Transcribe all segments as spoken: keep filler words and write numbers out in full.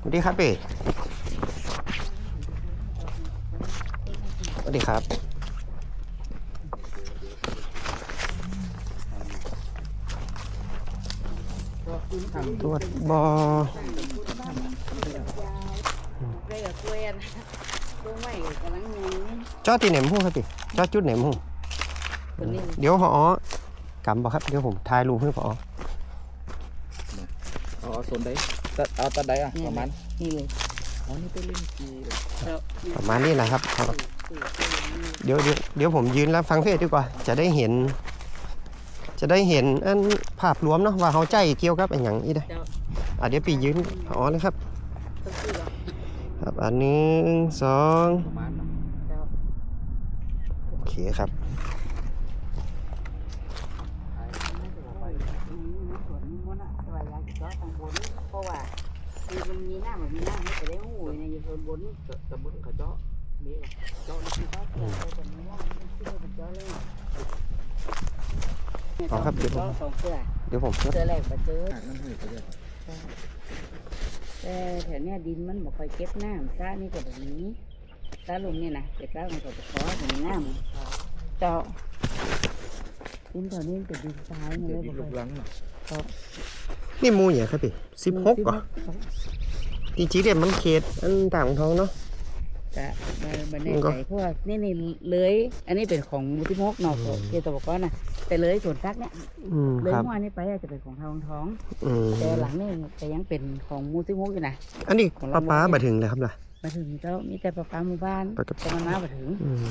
วัสดีครับพี่สวัสดีครับตรวจบอจอดที่ไหนมุ่งครับพี่จอดจุดไหนมุ่งเดี๋ยวพอกำบอกครับเดี๋ยวผมถ่ายรูปให้พอเอาโซนได้เอาตัดได้อะประมาณนี่เลยอ๋อนี่เป็นเล่นกีประมาณนี้นะครับเดี๋ยวเดี๋ยวเดี๋ยวผมยืนแล้วฟังเพลงดีกว่าจะได้เห็นจะได้เห็นอันภาพรวมเนาะว่าเขาใจเกี่ยวกับอันอย่างนี้ได้อ่ะเดี๋ยวปียืนอ๋อเลยครับครับอันหนึ่งสองโอเคครับเพราะว่าคือมันมีหน้ามันมีหน้าไม่ได้หูในอยู่ส่วนบนตำบลเขาเจาะนี่เจาะนี่ก็เกิดแต่ไม่ว่ามันชื่อมันเจาะเลยอ๋อครับเดี๋ยวผมเดี๋ยวผมเจอแหลกมาเจอนั่นหืดไปเลยแต่แถวเนี้ยดินมันบ่ค่อยเก็บน้ำซ่านี่ก็แบบนี้ซ่าลงเนี่ยนะแต่ซ่ามันก็จะขอถึงน้ำเจาะดินแถวนี้เป็นดินทรายเลยบ่ค่อยครับนี่มูอย่างครับพี่สิบหกก่อนจริงๆเด็ดมันเขตอันต่างท้องเนาะจะมาบันไดใส่พวกนี่นี่เลยอันนี้เป็นของมูทิมกนอกเขตตะวันก้อนนะแต่เลยส่วนซักเนี่ยเลยม้วนนี้ไปอาจจะเป็นของทางท้องแต่หลังนี่จะยังเป็นของมูทิมกอยู่นะอันนี้ป้าป้ามาถึงเลยครับล่ะมาถึงเจ้ามีแต่ป้าป้าหมู่บ้านแต่มันมามาถึง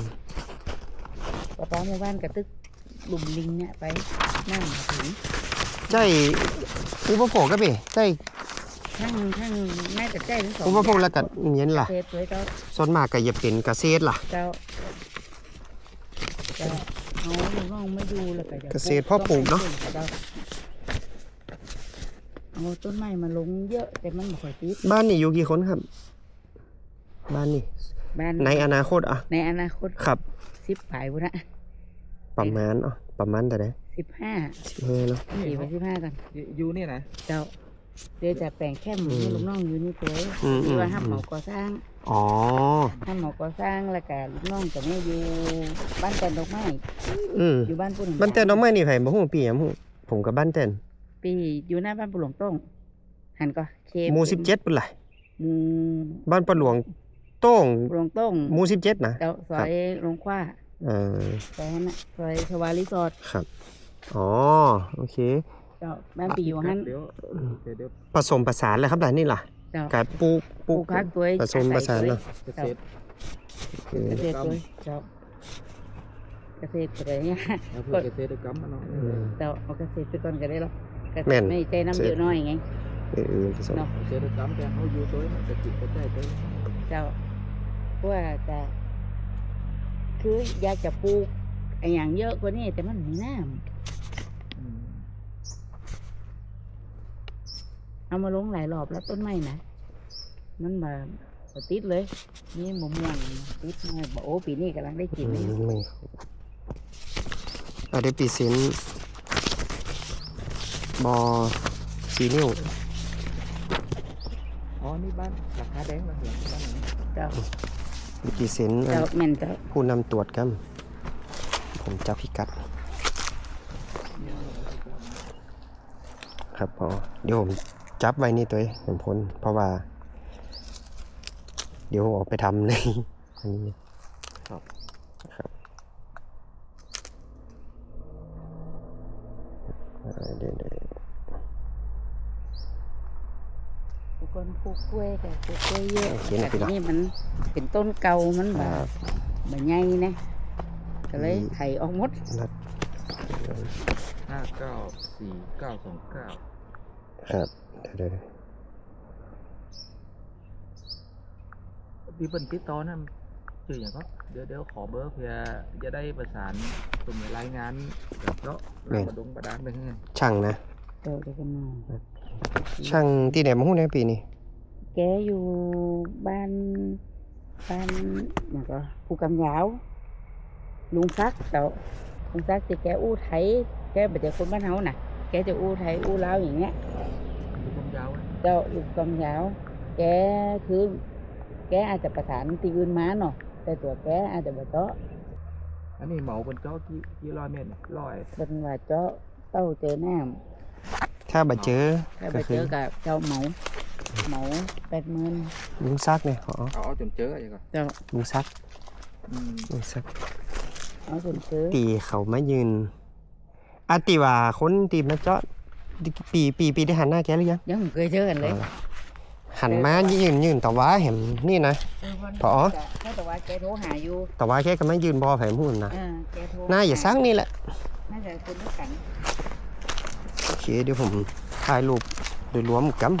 ป้าป้าหมู่บ้านกระตึกหลุมลิงเนี่ยไปนั่งมาถึงใช่อุปโภคก็พี่ใช่ทั้งทั้งแม่แต่ใจทั้งสองอุปโภคแล้วก็เงี้ยล่ะส่วนมากก็อย่าเป็นเกษตรล่ะเจ้าเจ้าเอาน้องไม่ดูแล้วก็เกษตรพ่อปลูกเนาะเอาต้นไม้มาลงเยอะแต่มันไม่ค่อยติดบ้านนี่อยู่กี่คนครับบ้านนี่ในอนาคตอ่ะในอนาคตครับสิบปลายบุญนะประมาณอ่ะประมาณแต่ไหนสิบห้าสิบห้าเนาะสี่ไปสิบห้ากันอยู่นี่นะเจ้าเดี๋ยวจะแปลงแค่หมูลูกน้องอยู่นี่ตัวที่ว่าห้ามหมอก่อสร้างอ๋อห้ามหมอก่อสร้างแล้วก็ลูกน้องจะไม่อยู่บ้านแตนดอกไม้อยู่บ้านปุ่นบ้านแตนดอกไม้นี่ไผ่บ่ฮู้ปีอ่ะฮู้ผมกับบ้านแตนปีอยู่หน้าบ้านปู่หลวงต้งหันก็เคหมู่สิบเจ็ดปุ่นล่ะหมู่บ้านปู่หลวงต้งหลวงต้งหมู่สิบเจ็ดนะเจ้าซอยลงคว้าเออซอยนั้นน่ะซอยชวารีสอร์ทครับอ๋อโอเคเจ้าบ้านปีอยู่หันผสมผสานเลยครับด่านนี่ล่ะการปลูกปลูกคักตัวผสมผสานเนาะเกษตรเกษตรตัวเจ้าเกษตรอะไรเนี่ยก็เกษตรกรรมเนาะเจ้าเอาเกษตรไปก่อนก็ได้หรอกเกษตรไม่ใจน้ำเยอะน้อยไงเออผสมเกษตรกรรมแต่เขาอยู่ตัวมันจะจิตจะใจตัวเจ้าเพราะว่าจะคืออยากจะปลูกไอ้อย่างเยอะกว่านี้แต่มันมีน้ำเอามาลงหลายรอบแล้วต้นไม้นะมันมาติดเลยนี่มะม่วงติดมาบอกโอ้ปีนี้กำลังได้กินเลยอ่ะเดี๋ยวปีเซนบอสีนิ้วอ๋อนี่บ้านหลังคาแดงมาเหรอบ้านไหนเจ้าปีเซนผู้นำตรวจกันผมจะพิกัดครับพอเดี๋ยวผมจับไว้นี่ตัวผมพ้นเพราะว่าเดี๋ยวออกไปทำในอันนี้ครับครับเดี๋ยวเดี๋ยวคนปลูกกล้วยแต่ปลูกกล้วยเยอะแต่นี่มันเป็นต้นเก่ามันแบบแบบใหญ่นะก็เลยไถออกหมดห้าเก้าสี่เก้าสองเก้าครับเดี๋ยวพี่เปิ้ลติดต่อนั่นชื่ออย่างก็เดี๋ยวเดี๋ยวขอเบอร์เพื่อจะได้ประสานตรงรายงานกับเนาะประดงประดานไปให้ช่างนะเดี๋ยวเดี๋ยวกันมาช่างที่ไหนมาหุ้นในปีนี้แกอยู่บ้านบ้านอย่างก็ภูกำยาวลุงซักเจ้าลุงซักที่แกอู้ไทยแกเป็นแต่คนบ้านเฮาน่ะแกจะอู้ไทยอู้ลาวอย่างเงี้ยลูกกำยาวเจ้าลูกกำยาวแกแกคือแกอาจจะประสานที่อื่นมาเนาะแต่ตัวแกอาจจะบ่เจาะอันนี้เหมาบนเจ้ากี่กี่ร้อยเมตรเนี่ยร้อยเป็นว่าเจาะเต้าเจอน้ถ้าบ่เจอำถ้าไปก็เจคืออกับเจ้าเหมาเหมาแปดหมื่นลุงซักเนี่ยอ๋อเอาเอาจนเจออะไรก่อนเจ้าลุงซักอืมลุงซักเอาจนเจอตีเขามายืนอาติว่าคนตีมาเจาะปีปีปีได้หันหน้าแกหรือยังยังไม่เคยเจอกันเลยหันมายืนยืนแต่ว่าเห็นนี่นะ พอถ้าแต่ว่าแกโทรหาอยู่แต่ว่าแกก็ไม่ยืนบอแผงหุ่นนะเออแกโทรหน้าอย่าซักนี่แหละน่าจะคนด้วยกันโอเคเดี๋ยวผมถ่ายรูปโดยรวมกัน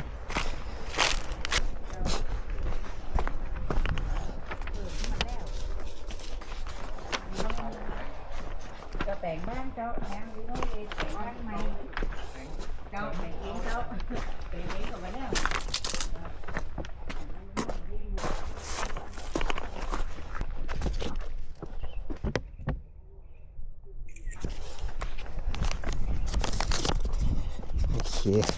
เจ้าแต่งบ้านเจ้าแหงดีโน่เลยแต่งบ้านใหม่เจ้าแต่งเองเจ้าแต่งเองก็มาแล้วโอเค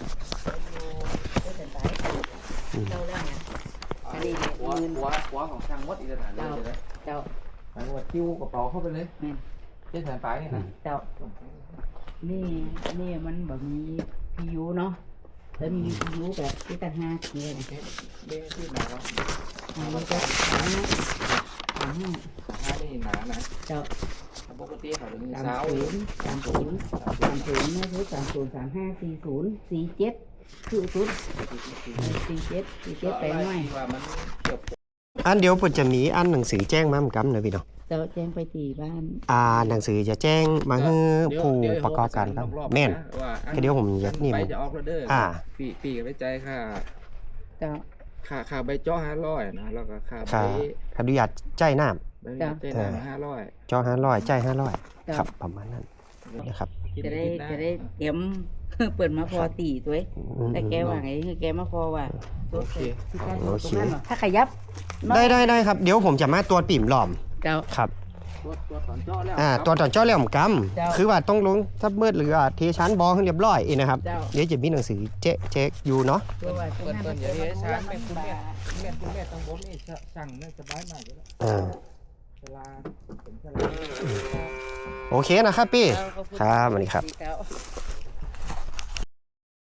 เจ้าแล้วไงอันนี้เนี่ยหัวเงินหัวหัวของช่างมดอีกสถานเลยเลยเจ้าหมายว่าจิ้วกระเป๋าเข้าไปเลยแม่นเจ๊สายปลายนี่นะเจ้านี่นี่มันแบบมีพียูเนาะแล้วมีพียูแบบที่ตั้งห้าเกียร์เบ้ที่ไหนวะอันนี้ก็สามห้าสามห้าหน้านี่หนานะเจ้าปกติเขาจะมีสามเช้าศูนย์สามศูนย์สามศูนย์นะคือสามศูนย์สามห้าสี่ศูนย์สี่เจ็ดคือศูนย์สี่เจ็ดสี่เจ็ดแปลงหน่อยว่ามันเกือบอันเดี๋ยวผมจะมีอันหนังสือแจ้งมาเหมือนกันนะพี่น้องเจ้าแจ้งไปตีบ้านอ่าหนังสือจะแจ้งมาให้ผู้ประกอบการครับแม่น ก็เดี๋ยวผมยัดนี่ไปมันจะออกแล้วเด้ออ่าปีปีกับไปใจายค่าเจ้าค่าค่าใบเจ้าห้าร้อยนะแล้วก็ค่าใบค่าค่าอนุญาตจ่ายน้ใบเจ้าหน้าห้าร้อยำจ่อห้าร้อยจ่ายห้าร้อยเจ้าครับประมาณนั้นนะครับจะได้จะได้เตรียม เปิดมาพอตีตัวเองอืมแต่แกว่าไงคือแกมาพอว่าโอเคที่การตรงนั้นเหรอถ้าขยับได้ได้ได้ครับเดี๋ยวผมจะมาตรวจปิ่มหลอมเจ้าครับตัวตัวถอนเจ้าแล้วอ่าตัวจอนเจ้าเหลี่ยมกเจ้าำคือว่าต้องลงถ้ามืดหรือว่าเทชั้นบอให้เรียบร้อยอีกนะครับเจ้าเดี๋ยวจะมีหนังสือเจ๊เจ๊อยู่เนาะตัวว่าเปิดเปิดอย่าเรียกช้างเป็นคุณแม่คุณแม่คุณแม่ต้องบนนี่สั่งนี่สบายมากเลยอ่าเวลาเป็นเวลาโอเคนะครับพี่ ครับสวัสดีครับเจ้า